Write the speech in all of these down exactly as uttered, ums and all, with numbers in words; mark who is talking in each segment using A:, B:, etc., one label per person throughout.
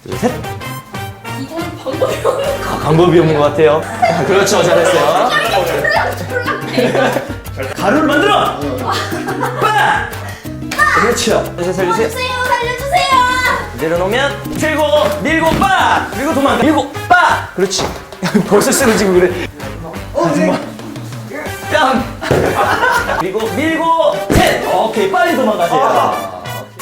A: 둘, 셋.
B: 이건 방법이 없는 거.
A: 아, 방법이 없는 것 같아요. 그렇죠, 잘했어요. 가루를 만들어. 빠. 그렇죠. 다시 살려주세요.
B: 살려주세요, 살려주세요.
A: 내려놓으면 들고 밀고 빠. 그리고 도망가. 밀고 빠. 그렇지. 벌써 쓰러지고 그래. 하지마. 뺨. 그리고 밀고 셋. 오케이, 빨리 도망가세요.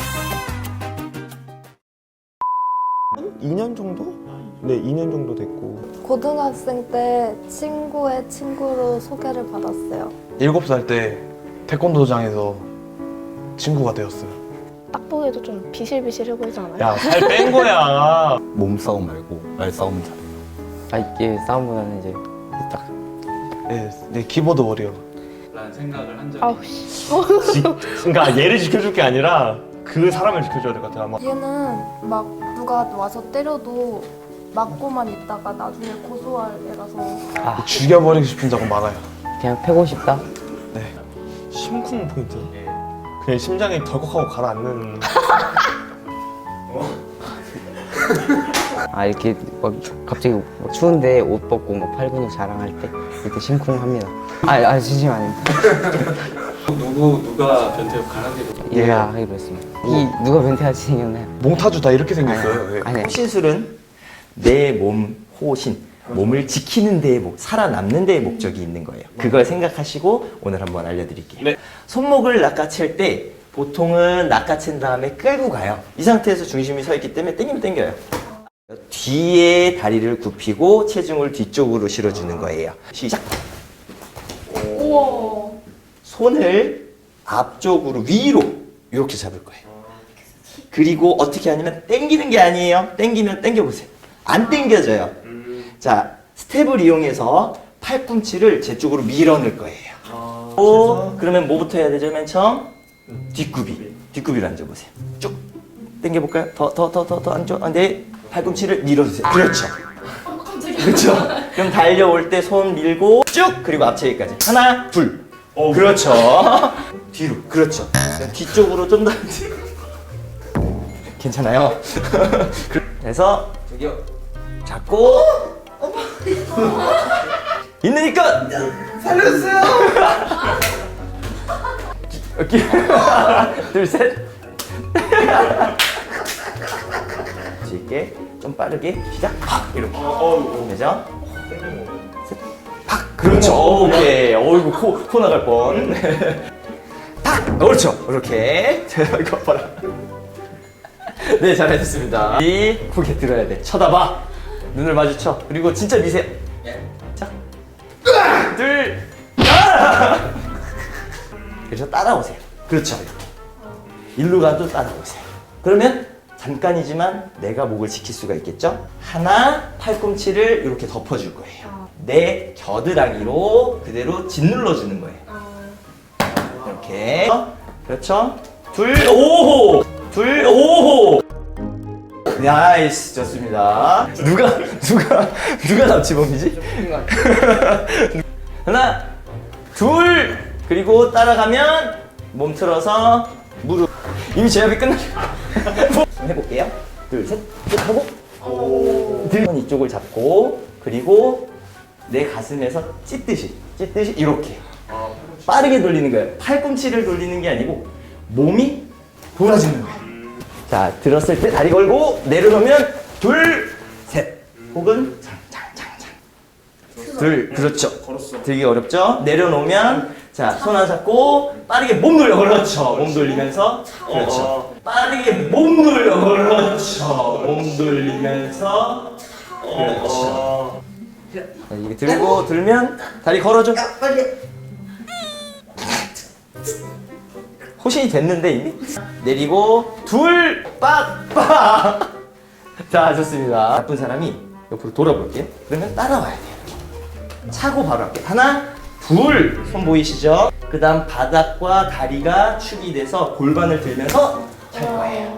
C: 이 년 정도? 네, 이 년 정도 됐고.
D: 고등학생 때 친구의 친구로 소개를 받았어요.
E: 일곱 살 때 태권도장에서 친구가 되었어요.
F: 딱 보기에도 좀 비실비실해 보이지 않아요?
E: 야, 살 뺀 거야.
G: 몸싸움 말고 말싸움은 잘해요.
H: 아 이게 싸움보다는 이제 딱
E: 네, 네 키보드 워리어.
I: 라는 생각을 한 적이
F: 아우 씨.
E: 그러니까 얘를 지켜줄 게 아니라 그 사람을 지켜줘야 될 것 같아. 아마.
D: 얘는 막 누가 와서 때려도 맞고만 있다가 나중에 고소할 애라서.
E: 죽여버리고 싶은 적은 많아요.
H: 그냥 패고 싶다.
C: 심쿵 포인트. 그냥 심장이 덜컥하고 가라앉는.
H: 아 이렇게 막 갑자기 막 추운데 옷 벗고 막 팔 근육 자랑할 때 그때 심쿵합니다. 아, 아 진심 아닙니다.
I: 누구 누가 변태 가라앉게
H: 얘가 하기로 했습니다. 이 누가 변태같이 생겼나요?
E: 몽타주 다 이렇게 생겼어요. 네.
H: 아니
A: 호신술은 내 몸 호신, 몸을 지키는 데에 목, 살아남는 데에 목적이 있는 거예요. 그걸 생각하시고 오늘 한번 알려드릴게요.
E: 네.
A: 손목을 낚아챌 때 보통은 낚아챈 다음에 끌고 가요. 이 상태에서 중심이 서 있기 때문에 당기면 당겨요. 뒤에 다리를 굽히고 체중을 뒤쪽으로 실어주는 거예요. 시작!
B: 우와.
A: 손을 앞쪽으로 위로 이렇게 잡을 거예요. 그리고 어떻게 하냐면 당기는 게 아니에요. 당기면 당겨보세요. 안 당겨져요. 자, 스텝을 이용해서 팔꿈치를 제 쪽으로 밀어넣을 거예요. 오, 그러면 뭐부터 해야 되죠? 맨 처음 뒷굽이. 뒷굽이로 앉아보세요. 쭉 당겨볼까요? 더, 더, 더, 더, 더 안쪽. 아, 네, 팔꿈치를 밀어주세요. 그렇죠. 그렇죠. 그럼 달려올 때 손 밀고 쭉 그리고 앞체기까지. 하나, 둘. 그렇죠. 뒤로. 그렇죠. 뒤쪽으로 좀 더. 괜찮아요. 그래서 저기요. 잡고. 있으니까 살려주세요. 오케이. 둘, 셋. 쉽게 좀 빠르게 시작. 팍 이렇게. 되죠? 셋. 팍. 그렇죠. 오케이. 어이구 코, 코 나갈 뻔. 팍. 그렇죠. 이렇게. 이거 봐라. 네, 잘하셨습니다. 이 고개 들어야 돼. 쳐다봐. 눈을 마주쳐. 그리고 진짜 미세요. 자, 둘, 아! 그래서 따라오세요. 그렇죠. 일로 가도 따라오세요. 그러면 잠깐이지만 내가 목을 지킬 수가 있겠죠? 하나, 팔꿈치를 이렇게 덮어줄 거예요. 내 겨드랑이로 그대로 짓눌러주는 거예요. 이렇게. 그렇죠? 둘, 오호! 둘, 오호! 나이스, 좋습니다. 누가, 누가, 누가 납치범이지? 하나, 둘, 그리고 따라가면 몸 틀어서 무릎. 이미 제압이 끝났. 좀 해볼게요. 둘, 셋, 쭉 하고. 들 이쪽을 잡고, 그리고 내 가슴에서 찢듯이, 찢듯이 이렇게. 빠르게 돌리는 거예요. 팔꿈치를 돌리는 게 아니고 몸이 돌아지는 거예요. 자, 들었을 때 다리 걸고 내려놓으면 둘, 셋. 혹은 장장장장. 둘, 그렇죠. 들기 어렵죠? 내려놓으면 자, 손 하나 잡고 빠르게 몸 돌려. 그렇죠. 몸 돌리면서 그렇죠. 빠르게 몸 돌려. 그렇죠. 몸 돌리면서 그렇죠. 자, 이게 들고 들면 다리 걸어줘. 호신이 됐는데 이미? 내리고 둘, 빡빡. 자, 좋습니다. 나쁜 사람이 옆으로 돌아볼게요. 그러면 따라와야 돼요. 차고 바로 할게요. 하나, 둘. 손 보이시죠? 그 다음 바닥과 다리가 축이 돼서 골반을 들면서 찰 거예요.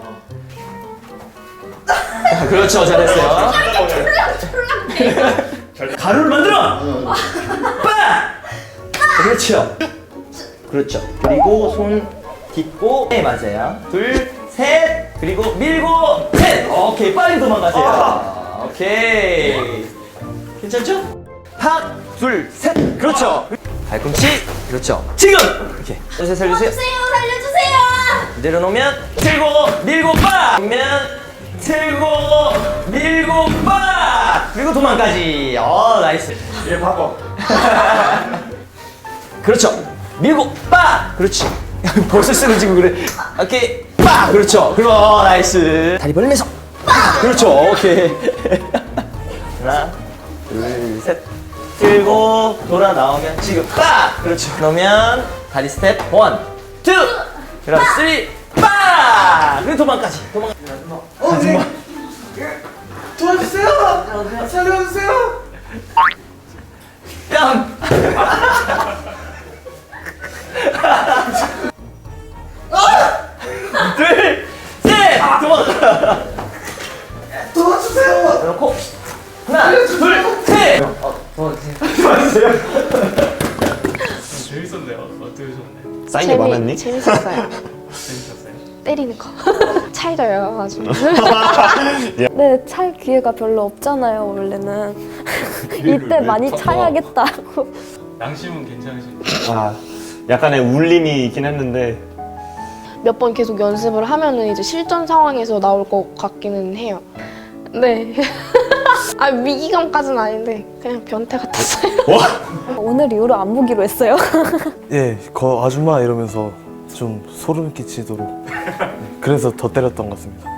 A: 자, 그렇죠. 잘했어요. 가루를 만들어! 빡! 그렇죠. 그렇죠. 그리고 손 딛고 네, 맞아요. 둘, 셋. 그리고 밀고 셋. 오케이, 빨리 도망가세요. 오케이. 괜찮죠? 팍, 둘, 셋. 그렇죠. 발꿈치. 그렇죠. 지금. 이렇게. 살려주세요. 살려주세요.
B: 주세요, 살려주세요.
A: 내려놓으면 들고 밀고 빡. 밀면 들고 밀고 빡. 그리고 도망가지. 어, 나이스.
E: 얘 바꿔.
A: 그렇죠. 밀고 빡. 그렇지. 벌써 쓰러지고 그래. 오케이. 빡. 그렇죠. 그리고 어, 나이스. 다리 벌리면서 빡. 그렇죠. 오케이. 하나, 둘, 셋. 들고 돌아 나오면 지금 빡. 그렇죠. 그러면 다리 스텝 원, 투. 그럼 쓰리. 빡. 그리고 도망까지. 도망. 어, 네. 도와주세요. 살려주세요. 뺨. 둘, 셋! 도망가! 도와주세요! 그렇고, 하나, 둘, 셋! 어, 도와주세요. 도와주세요.
I: 재밌었네요. 어떠셨나요?
C: 쌓인 게 많았니?
F: 재밌었어요.
I: 재밌었어요?
F: 때리는 거. 차이져요, 아주.
D: 네, 찰 기회가 별로 없잖아요, 원래는. 이때 많이 차야겠다고.
I: 양심은 괜찮으신가요?
E: 아, 약간의 울림이 있긴 했는데
F: 몇 번 계속 연습을 하면은 이제 실전 상황에서 나올 것 같기는 해요. 네. 아, 위기감까지는 아닌데 그냥 변태 같았어요.
D: 오늘 이후로 안 보기로 했어요.
C: 예, 거 아줌마 이러면서 좀 소름 끼치도록. 네, 그래서 더 때렸던 것 같습니다.